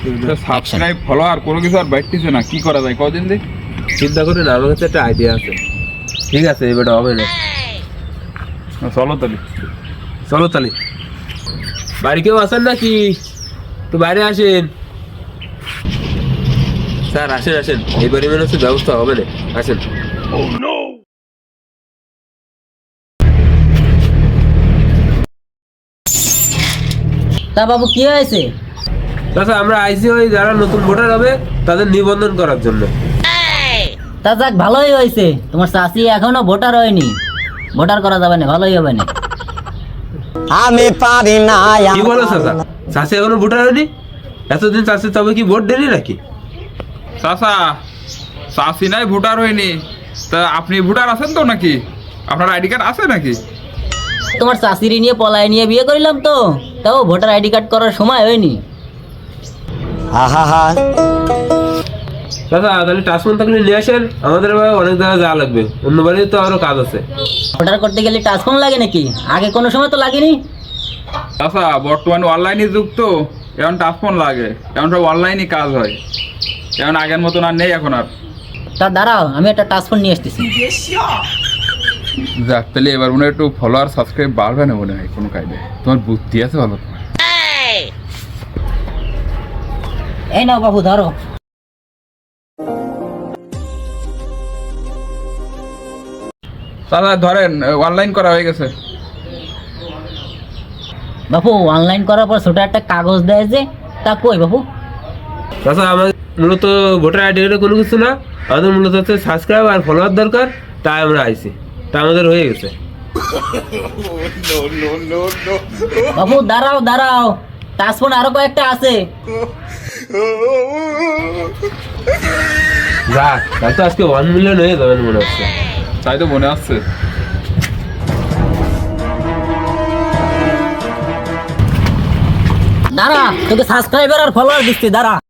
Subscribe follower কোনো কিছু আর বাড়তেছে না, কি করা যায় কদিন দিন চিন্তা করে না, আমার কাছে একটা আইডিয়া আছে। ঠিক আছে, এবারে হবে না। চলো তাহলে। চলো তাহলে। বাড়ি কেউ আসেন নাকি? তো বাইরে আসেন স্যার, আসেন আসেন, এইবারে মনে হচ্ছে ব্যবস্থা হবে না, আসেন। তা বাবু কি হয়েছে? আচ্ছা, আমরা আইসি ওই যারা নতুন ভোটার হবে তাদের নিবন্ধন করার জন্য। তা যাক, ভালোই হয়েছে। তোমার চাষি এখনো ভোটার হয়নি, ভোটার করা যাবে না, ভালোই হবে না। আমি পারি না। কি বলো চাচা, চাষি এখনো ভোটার হয়নি? এতদিন চাষি তবে কি ভোট দেনি নাকি? চাচা, চাষি নাই ভোটার হয়নি, তা আপনি ভোটার আছেন তো নাকি? আপনার আইডি কার্ড আছে নাকি? তোমার চাষিরি নিয়ে পলায় নিয়ে বিয়ে করিলাম তো, তাও ভোটার আইডি কার্ড করার সময় হয়নি। আহা, চাচা তাহলে টাচফোন থাকলে নিয়ে আসেন, আমাদের এবার অনেক জায়গায় যাওয়া লাগবে, অন্য বাড়িতে তো আরো কাজ আছে। ভোটার করতে গেলে টাচফোন লাগে নাকি? আগে কোনো সময় তো লাগেনি। চাচা বর্তমানে অনলাইনে যুগ তো, এখন টাচফোন লাগে, এখন সব অনলাইনে কাজ হয়, এখন আগের মতন আর নেই এখন আর। তা দাঁড়াও, আমি একটা টাচফোন নিয়ে আসতেছি। যাক, তাহলে এবার মনে হয় একটু ফলোয়ার সাবস্ক্রাইব বাড়বে না মনে হয় কোনো কাজে। তোমার বুদ্ধি আছে ভালো তোমার। এই নাও বাবু, ধরো। চাচা ধরেন, অনলাইন করা হয়ে গেছে। বাবু অনলাইন করার পর ছোট একটা কাগজ দেয় যে, তা কই বাবু? চাচা আমাদের মূলত ভোটার আইডি কোনো কিছু না, আমাদের মূলত হচ্ছে সাবস্ক্রাইব আর ফলোয়ার দরকার, তাই আমরা আইছি, তা আমাদের হয়ে গেছে। বাবু দাঁড়াও দাঁড়াও, টাচফোন আরো কয়েকটা আছে। যাক, তাই তো আজকে 1 মিলিয়ন হয়ে যাবেন মনে হচ্ছে। তাই তো মনে আসছে। দাঁড়া, তোকে সাবস্ক্রাইবার আর ফলোয়ার দিচ্ছি, দাঁড়া।